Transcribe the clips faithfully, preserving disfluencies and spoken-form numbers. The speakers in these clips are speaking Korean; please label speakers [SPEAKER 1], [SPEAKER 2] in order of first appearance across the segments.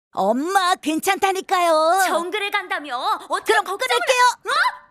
[SPEAKER 1] 엄마, 괜찮다니까요.
[SPEAKER 2] 정글에 간다며? 어떻게
[SPEAKER 1] 그럼
[SPEAKER 2] 걱정을
[SPEAKER 1] 끊을게요.
[SPEAKER 2] 해? 어?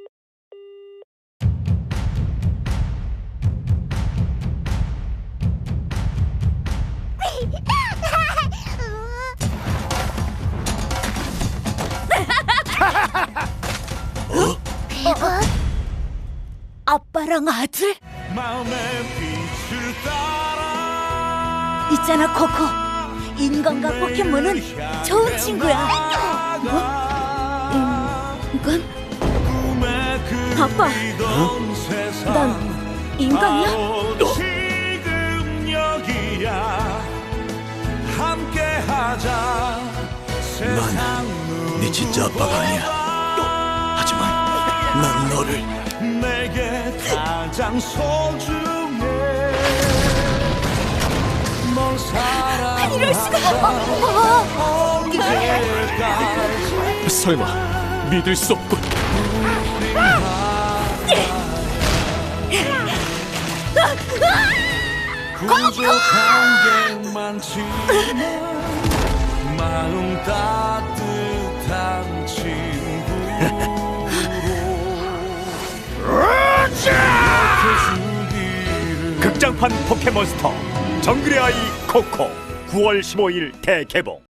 [SPEAKER 1] 아빠랑 아들?
[SPEAKER 3] 마음의 빛을 따라
[SPEAKER 1] 있잖아, 코코. 인간과 포켓몬은 좋은 친구야. 뭐? 인간?
[SPEAKER 2] 아빠, 난 인간이야?
[SPEAKER 3] 지금 여기야 함께하자.
[SPEAKER 4] 난 네 진짜 아빠가 아니야. 하지만 난 너를.
[SPEAKER 3] 내게 가장 소중해. 널 사랑한다.
[SPEAKER 1] 이럴 수가.
[SPEAKER 3] 언제까지
[SPEAKER 4] 설마 믿을 수 없군.
[SPEAKER 3] 부족한 게 많지만 마음 따뜻한 친구로
[SPEAKER 5] 극장판 포켓몬스터 정글의 아이 코코 구월 십오일 대개봉.